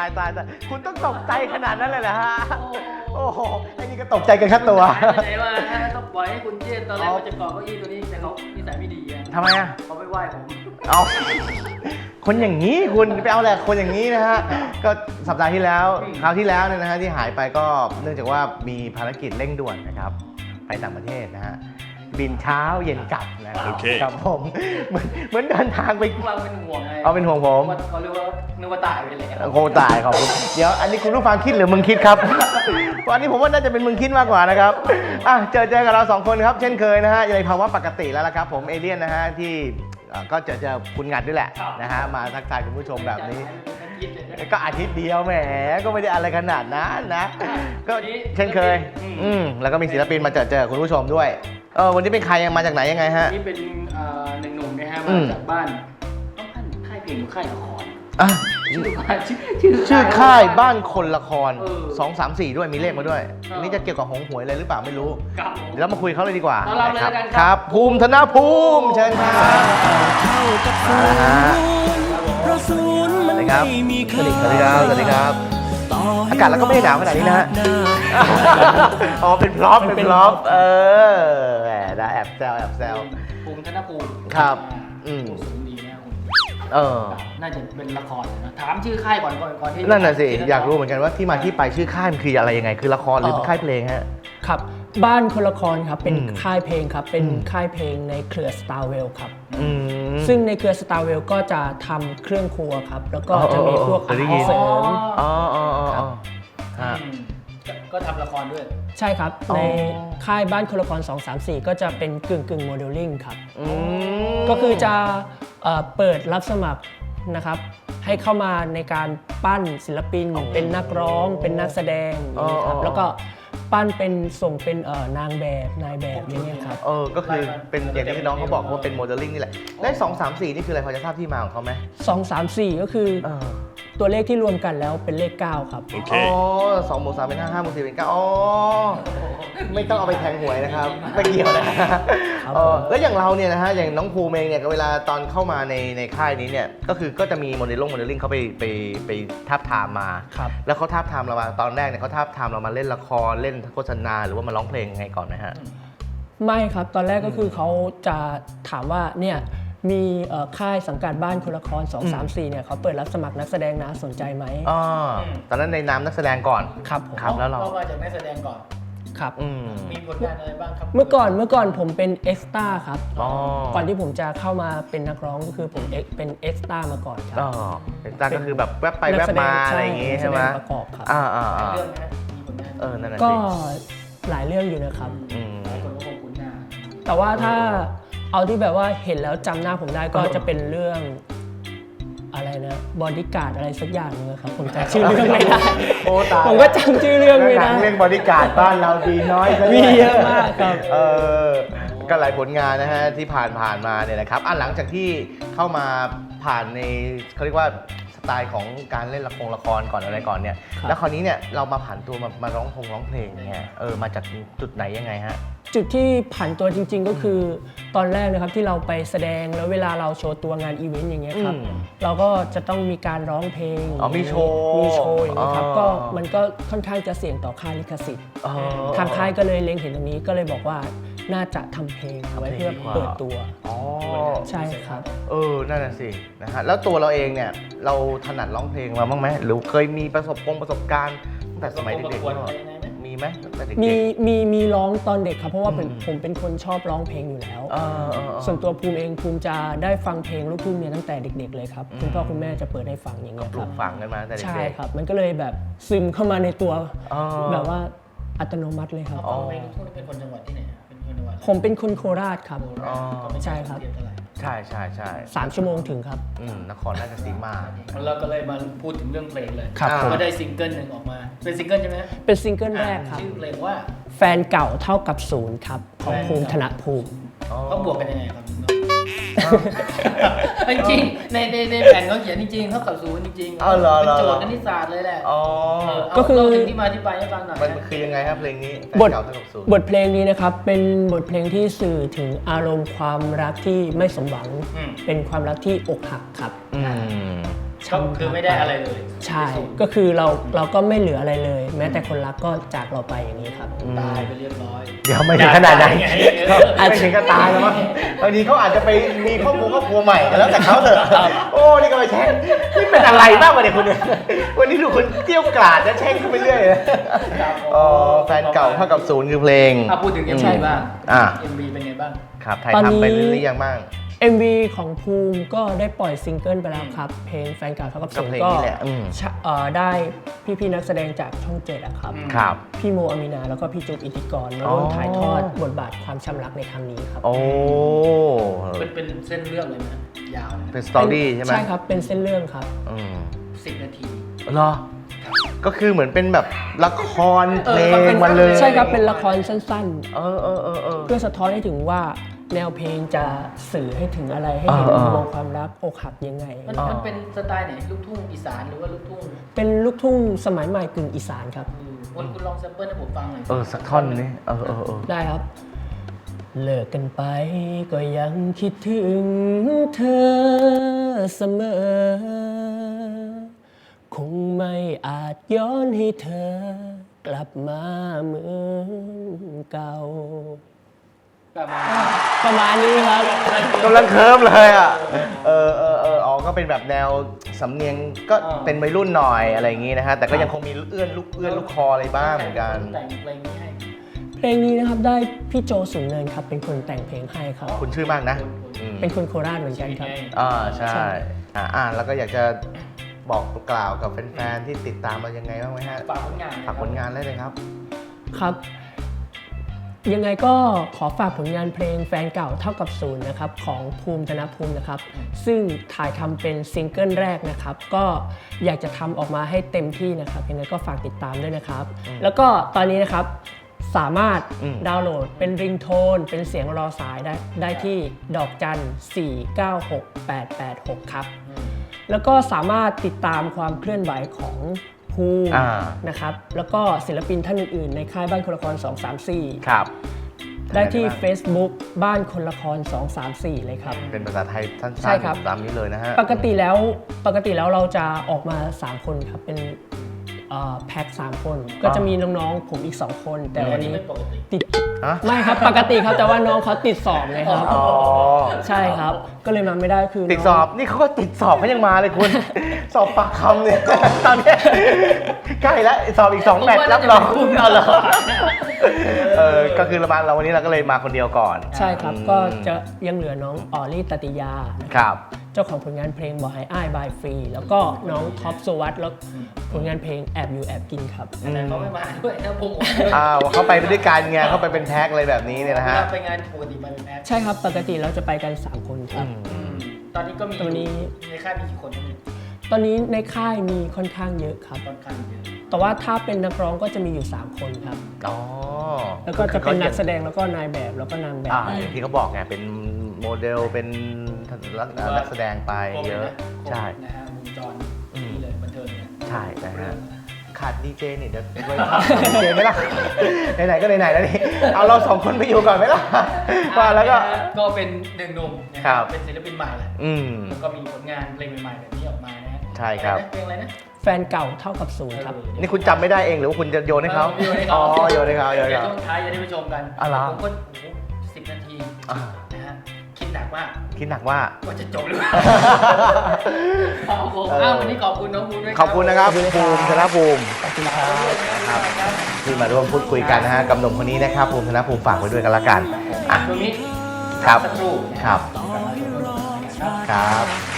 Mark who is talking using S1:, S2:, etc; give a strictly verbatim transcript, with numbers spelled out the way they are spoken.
S1: ายตายตายคุณต้องตกใจขนาดนั้นเลยเหรอฮะโอ้โหไอ้นี่ก็ตกใจกันแค่ตัว
S2: ไหนว่าต้องปล่อยให้คุณเจนตอนแรกมันจะเกาะเก้าอี้ตัวนี้แต่เขานิสัยไม่ดีอ่ะ
S1: ทำไมอ่ะ
S2: เขาไม่ไหว้ผม
S1: เอาคนอย่างนี้คุณไปเอาแหละคนอย่างนี้นะฮะก็สัปดาห์ที่แล้วคราวที่แล้วเนี่ยนะฮะที่หายไปก็เนื่องจากว่ามีภารกิจเร่งด่วนนะครับไปต่างประเทศนะฮะบินเช้าเย็นกลับนะครับ
S3: โอเค
S1: ครับผมเหมือนเหมือนเดินทางไป
S2: พวกเราเป็นห่วงไง
S1: เอาเป็นห่วงผม
S2: เขาเรียกว่านึกว่าตายไปเลย
S1: โคตายขอบคุณเดี๋ยวอันนี้คุณผู้ฟังคิดหรือมึงคิดครับ วันนี้ผมว่าน่าจะเป็นมึงคิดมากกว่านะครับอ่ะเจอเจอกับเราสองคนครับเช่นเคยนะฮะในภาวะปกติแล้วละครับผมเอเลี่ยนนะฮะที่อ่าก็เจอเจอคุณงัดด้วยแหละนะฮะมาทักทายคุณผู้ชมแบบนี้ ก็อาทิตย์เดียวแหมก็ไม่ได้อะไรขนาดนั้นนะก็เช่นเคยอืมแล้วก็มีศิลปินมาเจอเจอคุณผู้ชมด้วยเออวันนี้เป็นใครยังมาจากไหนยังไงฮะ
S2: นี่เป็นเอ่อหนึ่งหนุ่มนะฮะ
S1: อื
S2: มาม จากบ้านต้องบ้านค่ายเพลงหรือค่ายละคร
S1: อ่ะ
S2: ชื่อบ้านชื่อชื่อ
S1: ชื่อค่ายบ้านคนละคร
S2: เออ
S1: สอง สาม สี่ด้วยมีเลขมาด้วย
S2: เอออั
S1: อันนี้จะเกี่ยวกับหงหวยอะไรหรือเปล่าไม่รู้
S2: กับผม
S1: เดี๋ยวเรามาคุยเขาเลยดีกว่า
S2: ต้อนรับเลย
S1: ครั
S2: แล้วกัน
S1: ค
S2: ครั
S1: รับ
S2: บ
S1: ภูมิธนภูมิเชิญครับมาแล้วฮะ
S4: สวัสดี
S1: ครับ สวัสดีครับสวัสดีครับอากาศเราก็ไม่ได้หนาวขนาดนี้นะฮะอ๋อเป็นพร็อพเป็นพร็อพเออแหมได้แอบแซวแอบแซว
S2: ภูมิธนภูมิ
S1: ครับอืม
S2: สูงดีนะคุณ
S1: เออ
S2: น่าจะเป็นละครนะถามชื่อค่ายก่อนก่อนก่อนที่
S1: นั่นน่ะสิอยากรู้เหมือนกันว่าที่มาที่ไปชื่อค่ายมันคืออะไรยังไงคือละครหรือเป็นค่ายเพลงฮะ
S4: ครับบ้านคนละครครับเป็น
S1: อืม
S4: ค่ายเพลงครับเป็น
S1: อืม
S4: ค่ายเพลงในเครือ Starwell ครับ
S1: อืม
S4: ซึ่งในเครือ Starwell ก็จะทำเครื่องครัวครับแล้วก็จะมีพวก
S1: เค
S4: อาย
S1: ได้
S4: หา
S1: ยิ
S4: ร
S1: น
S4: เสริม
S1: อ๋ออ๋ออ๋อ
S4: ครั
S1: อ๋อบ ฮะ
S2: อืมก็ทำละครด้วย
S4: ใช่ครับ
S1: อ๋อ
S4: ในค่ายบ้านคนละครสอง สาม สี่ ก็จะเป็นกึ่งกึ่งโมเดลลิ่งครับ
S1: อืม
S4: ก็คือจะเอ่อเปิดรับสมัครนะครับให้เข้ามาในการปั้นศิลปิน เป็นนักร้อง เป็นนักแสดงอย่างนี้ครับแล้วก็ปั้นเป็นส่งเป็นเอ่อนางแบบนายแบบอย่างเงี้ยครับ
S1: เออก็คือเป็นอย่างที่น้องเขาบอกว่าเป็นโมเดลลิ่งนี่แหละได้สองสามสี่นี่คืออะไรพอจะทราบที่มาของเขาไหม
S4: สอง สาม สี่ ก็คือ
S1: เออ
S4: ตัวเลขที่รวมกันแล้วเป็นเลข เก้า ครับ
S3: โอเค
S1: อ๋อสองบวกสามเป็นห้าห้าบวกสี่เป็นเก้าอ๋อไม่ต้องเอาไปแทงหวยนะครับไม่เกี่ยวนะเออแล้วอย่างเราเนี่ยนะฮะอย่างน้องภูมิเองเนี่ยเวลาตอนเข้ามาในในค่ายนี้เนี่ยก็คือก็จะมีโมเดลลิ่งโมเดลลิ่งเขาไปไปไปทับทามมา
S4: ครับ
S1: แล้วเขาทับทามเรามาตอนแรกเนี่ยเขาทับทามเรามาเล่นละครเล่นโฆษณาหรือว่ามาร้องเพลงยังไงก่อนนะฮะ
S4: ไม่ครับ ตอนแรกก็คือเขาจะถามว่าเนี่ยมีเอ่อค่ายสังกัดบ้านคนละครสอง สาม สี่เนี่ยเขาเปิดรับสมัครนักแสดงนะสนใจไหม
S1: อ๋อตอนนั้นในนามนักแสดงก่อน
S4: ครับผม
S1: ครับแล้วเรา
S2: ก็มาจากนักแสดงก่อน
S4: ครับ
S1: อืม
S2: มีผลงานอะไรบ้างครับ
S4: เมื่อก่อนเมื่อก่อนผมเป็นเอ็กซ์ต้าครับ
S1: อ๋อ
S4: ก่อนที่ผมจะเข้ามาเป็นนักร้องก็คือผมเอ็กเป็นเอ็กซ์ต้ามาก่อนครับ
S1: อ๋อเป็นตั้งก็คือแบบแวบไปแวบมาอะไรอย่างงี้ใช่ไหม
S4: นักแสดงประกอบครับ
S1: อ่าอ่าอ่า
S2: เรื่องนะมีผลงาน
S1: เออนั่นแหละ
S4: ก็
S1: สิ
S4: หลายเรื่องอยู่นะครับ
S1: อืม
S2: หลายคนก็คงคุ้นหน้า
S4: แต่ว่าถ้าเอาที่แบบว่าเห็นแล้วจำหน้าผมได้ก็จะเป็นเรื่องอะไรนะบอดี้การ์ดอะไรสักอย่างนึงครับผมจำชื่อเรื่องไม่ได้
S1: โอ้ตาย
S4: ผมก็จำชื่อเรื่องไม่
S1: หนั
S4: ได้
S1: งเรื่องบอดี้การ์ดบ้านเราดีน้อยซะด้วย
S4: มีเยอะมากครับ
S1: เออก็หลายผลงานนะฮะที่ผ่านผ่านมาเนี่ยนะครับอ่ะหลังจากที่เข้ามาผ่านในเขาเรียกว่าสไตล์ของการเล่นละครละครก่อนอะไรก่อนเนี่ย
S4: ครับ
S1: แล้วคราวนี้เนี่ยเรามาผ่านตัวมามาร้องพงร้องเพลงเนี่ยเออมาจากจุดไหนยังไงฮะ
S4: จุดที่ผันตัวจริง ๆ ก็คือตอนแรกนะครับที่เราไปแสดงแล้วเวลาเราโชว์ตัวงานอีเวนต์อย่างเงี้ยครับ
S1: อืม
S4: เราก็จะต้องมีการร้องเพลง
S1: อ๋อมีโชว์
S4: มีโชว์อย่างเงี้ยครับ
S1: อ๋อ
S4: ก็มันก็ค่อนข้างจะเสี่ยงต่อค่าลิขสิทธิ์
S1: อ๋อ
S4: ทางค่ายก็เลยเล็งเห็นตรงนี้ก็เลยบอกว่าน่าจะทำเพลงเอาไว้เพื่อเปิดตัว
S1: อ๋อ
S4: ใช่ครับ
S1: เออ นั่นน่ะสิ นะฮะ แล้วตัวเราเองเนี่ย เราถนัดร้องเพลงมาบ้างไหม หรือเคยมีประสบกงประสบการณ์ตั้งแต่สมัยเด็ก
S2: ประกวด
S1: ๆ
S2: อะไรยังไงไหม
S1: มีไหมตั้งแต่เด็ก
S4: มี
S1: ๆ
S4: มีมีร้องตอนเด็กครับ เพราะว่าเป็น
S1: อืม
S4: ผมเป็นคนชอบร้องเพลงอยู่แล้ว
S1: เออเออเออ
S4: ส่วนตัวภูมิเองภูมิจะได้ฟังเพลงลูกทุ่งเนี่ยตั้งแต่เด็ก ๆ เลยครับ คุณพ่อคุณแม่จะเปิดให้ฟังอย่างเงี้ย
S1: ป
S4: ค
S1: ลู
S4: รับ
S1: กฝังกันมาตั้งแต่
S4: ใช่
S1: เด็ก
S4: ครับ มันก็เลยแบบซึมเข้ามาในตัว
S1: ๆอ๋อ
S4: แบบว่าอัตโนมัติเลยครับ
S2: เอาเพลงลูกทุ่งนี่เป็นคนจังหวัดที่ไหนอะเป็นคนจังหวัด
S4: ผมเป็นคนโคราชครับ
S1: อ๋อ
S4: ใช่ครับ
S2: เทียบเท่าไหร่
S1: ใช่ใช่ใช่
S4: สามชั่วโมงถึงครับ
S1: อืมนครราชสีมา
S2: เราก็เลยมาพูดถึงเรื่องเพลงเลย
S4: ครับ
S1: ผม
S2: ก็ได้ซิงเกิลหนึ่งออกมา เป็นซิงเกิลใช่ไหมฮะ
S4: เป็นซิงเกิลแรกครับ
S2: ชื่อเพลงว่า
S4: แฟนเก่าเท่ากับศูนย์ครับ ของภูมิธนภูมิ
S1: อ๋อ
S2: เขาบวกกันยังไงครับจริงๆในในในแผ่นเขาเขียนจริงๆเท่ากับศูนย์จริงๆ
S1: เอาเหรอ
S2: เป็น
S1: เหรอ
S2: โจทย์คณิตศาสตร์เลยแหละ
S1: อ๋อ
S2: เออเอา
S4: ก็คือ
S2: เล่าถึงที่มาที่ไปให้ฟังหน่อย
S1: มัน
S2: นะ
S1: คือยังไงครับเพลงนี้แฟน
S4: บท
S1: เก่าเท่ากับศูนย์
S4: บทเพลงนี้นะครับ เป็นบทเพลงที่สื่อถึงอารมณ์ความรักที่ไม่สมหวัง
S2: อืม
S4: เป็นความรักที่อกหักครับ
S1: อืม
S2: ก็คือไม่ได้อะไรเลย
S4: ใช่ก็คือเราเราก็ไม่เหลืออะไรเลย แม้แต่คนรักก็จากเราไปอย่างนี้ครับ
S2: ตายไปเรียบร้อย
S1: เดี๋ยวไม่ถึงขนาดนั้น
S2: ไง
S1: ไม่ถึงก็ตายแล้วมั้งบางทีเขาอาจจะไปมีครอบครัวครอบครัวใหม่แล้วแต่เขาเถอะโอ้นี่ก็ไปแช่งนี่เป็นอะไรบ้างวะเนี่ยคุณเนี่ยวันนี้ดูคุณเกี้ยวกราดและแช่งขึ้นไปเรื่อยเลยอ๋อแฟนเก่าเท่ากับศูนย์คือเพลง
S2: อ่ะพูดถึง เอ็ม วี บ้าง
S1: อ่า
S2: เอ็ม วี เป็นไงบ้าง
S1: ครับถ่ายทำไปหรือยังบ้าง
S4: เอ็ม วี ของภูมิก็ได้ปล่อยซิงเกิลไปแล้วครับ เพลงแฟนเก่าเท่ากับศูนย์
S1: ก็เพลง
S4: ก็
S1: นี้แหละอืม
S4: ชะเอ่อได้พี่ๆนักแสดงจากช่องเจ็ดอะครับ
S1: ครับ
S4: พี่โมอามินาแล้วก็พี่จุ๊บอิทธิกรมา
S1: อ๋อ
S4: ร่วมถ่ายทอดบทบาทความช้ำรักในครั้งนี้ครับ
S1: โอ้
S2: เป็นเป็นเส้นเรื่องเลยนะยาวเลย
S1: เป็นสตอรี่ใช่ไหม
S4: ใช่ครับเป็นเส้นเรื่องครับ
S1: อืม
S2: สิบนาที
S1: เหรอก็คือเหมือนเป็นแบบละครเพล
S2: เออมันเป็
S1: ง
S2: น
S1: มาเลย
S4: ใช่ครับเป็นละครสั้น
S1: เออเออเออเออ
S4: ๆ เพื่อสะท้อนให้ถึงว่าแนวเพลงจะสื่อให้ถึงอะไรให้เห็น
S1: เออ
S4: มุ
S1: เอ
S4: ม
S1: อ
S4: มองความรักอกหักยังไง
S2: มันมันเป็นสไตล์ไหนลูกทุ่งอีสานหรือว่าลูกทุ่ง
S4: เป็นลูกทุ่งสมัยใหม่กึ่งอีสานครับ
S2: อืมคุณคุณลองแซมเปิลให้ผมฟังหน่อย
S1: เออสักท่อนนี้เออเออเออ
S4: ได้ครับ เลิกกันไปก็ยังคิดถึงเธอเสมอ คงไม่อาจย้อนให้เธอกลับมาเหมือนเก่า
S2: แบบว่า
S4: ประมาณนี้ครับ
S1: กำลังเคิร์มเลยอ่ะเออเออเอออ๋อก็เป็นแบบแนวสำเนียงก็เป็นวัยรุ่นหน่อยอะไรอย่างงี้นะฮะแต่ก็ยังคงมีเอื้อนลูกเอื้อนลูกคออะไรบ้างเหมือนกัน
S2: แต่งเพลงนี้ให้
S4: เพลงนี้นะครับได้พี่โจสูงเนินครับเป็นคนแต่งเพลงให้ครับ
S1: คุณชื่อมากนะอืม
S4: เป็นคนโคราชเหมือนกันครับ
S1: อ่าใช่อ่าอ่านแล้วก็อยากจะบอกกล่าวกับแฟนๆที่ติดตามเรายังไงบ้างไหมฮะ
S2: ฝากผลงาน
S1: ฝากผลงานได้เลยครับ
S4: ครับ ยังไงก็ขอฝากผลงานเพลงแฟนเก่าเท่ากับศูนย์นะครับของภูมิธนภูมินะครับ ซึ่งถ่ายทำเป็นซิงเกิลแรกนะครับ ก็อยากจะทำออกมาให้เต็มที่นะครับยังไงก็ฝากติดตามด้วยนะครับ แล้วก็ตอนนี้นะครับสามารถ
S1: อืม
S4: ดาวน์โหลดเป็นริงโทนเป็นเสียงรอสายได้ได้ที่ดอกจันสี่ เก้า หก แปด แปด หกครับ แล้วก็สามารถติดตามความเคลื่อนไหวของภูมิ
S1: อ่า
S4: นะครับ แล้วก็ศิลปินท่านอื่นๆ ในค่ายบ้านคนละคร สอง สาม สี่
S1: ครับ
S4: ได้ที่
S1: ทางหนบ้าง
S4: Facebook บ้านคนละคร สอง สาม สี่ เลยครับ
S1: เป็นภาษาไทยสั้น
S4: ใช่ครับ
S1: ๆตามนี้เลยนะฮะ
S4: ปกติแล้วปกติแล้วเราจะออกมา สาม คนครับ เป็นเอ่อแพ็คสามคน ก็จะมีน้องๆ ผมอีก สอง คน แต่วันนี้
S2: ไม่ปกติ
S4: ติด
S1: ฮะ
S4: ไม่ครับ ปกติครับ แต่ว่าน้องเขาติดสอบไงครับ
S1: อ๋อ
S4: ใช่ครับ ก็เลยมาไม่ได้คือ
S1: ติด
S4: น้ง
S1: สอบนี่เขาก็ติดสอบเขายังมาเลยคุณ สอบปากคำเนี่ย ตอนเนี้ยใกล้แล้วสอบอีกสองแมตช์รับรองเอาเหรอเออก็คือเรามาเราวันนี้เราก็เลยมาคนเดียวก่อน
S4: ใช่ครับ ก็จะยังเหลือน้องออลลี่ตติยา
S1: ครับ
S4: เจ้าของผลงานเพลงบอกให้อ้ายบายฟรี แล้วก็น้องท็อปสุวัตแล้วผลงานเพลงแอบอยู่แอบกินครับ
S2: แต่เขาไม่มาด้วยนะผม
S1: อ้าวเขาไปด้วยกันไงเขาไปเป็นแพ็คอะไรแบบนี้เนี่ยนะฮะ
S2: ไปงานปกติไปเป็นแอป
S4: ใช่ครับ ปกติเราจะไปกัน สาม คนครับ
S2: อืมตอนนี้ก็มี
S4: ตอนนี้
S2: ในค่ายมีกี่คนครับเนี่ย
S4: ตอนนี้ในค่ายมีค่อนข้างเยอะครับ
S2: ค่อนข้างเยอะ
S4: แต่ว่าถ้าเป็นนักร้องก็จะมีอยู่ สาม คนครับ
S1: อ๋อ
S4: แล้วก็จะเป็นนักแสดงแล้วก็นายแบบแล้วก็นางแบบ
S1: อ่าอย่างที่เขาบอกไงเป็นโมเดลเป็นนักแสดงไปเยอะ ใช่
S2: นะฮะวงจรนี่เลยบันเทิงเนี่ย
S1: ใช่นะฮะขาดดีเจนี่เดี๋ยวไปทำดีเจไหมล่ะ ไหนๆก็ไหนๆแล้วนี่เอาเราสองคนไปอยู่ก่อนไหมล่ะว่าแล้วก็
S2: ก็เป็นหนึ่งหนุ่มนะค
S1: ครั
S2: รับ เป็นศิลปินใหม่แหละ
S1: อืม
S2: แล้วก็มีผลงานเพลงใหม่ๆแบบนี้ออกมานะฮะ
S1: ใช่ครับ
S2: เพลงอะไรนะ
S4: แฟนเก่าเท่ากับศูนย์ครับ
S1: นี่คุณจำไม่ได้เองหรือว่าคุณจะโยนให้เขา
S2: โยนให้
S1: อ๋
S2: เขา
S1: อโยนให้เขาโยนให้
S2: เดี๋ยว
S1: เขา
S2: ช่วงท้ายจะได้ไปชมกัน
S1: อ๋อเหรอ
S2: ผมก็โอ้โหสิบนาที
S1: อ่า
S2: นะฮะคิดหนักมาก
S1: คิดหนักว่า
S2: ว่าจะจบหรือเปล่าครับผม
S1: เออ
S2: อ้าววันนี้ขอบคุณน้องภูมิด้วย
S1: ขอบคุณนะครับ
S4: ขอบคุณครับ
S1: ภูมิธนภูมิ
S4: ขอบคุณครับ
S1: นะครับที่มาร่วมพูดคุยกันนะฮะกับหนุ่มคนนี้นะครับภูมิธนภูมิฝากไว้ด้วยกันละกันอ่ะ
S2: ตรงนี้
S1: ครับ
S2: สักครู่
S1: ครับ
S2: กลับมาชมกันนะครับ
S1: ครับ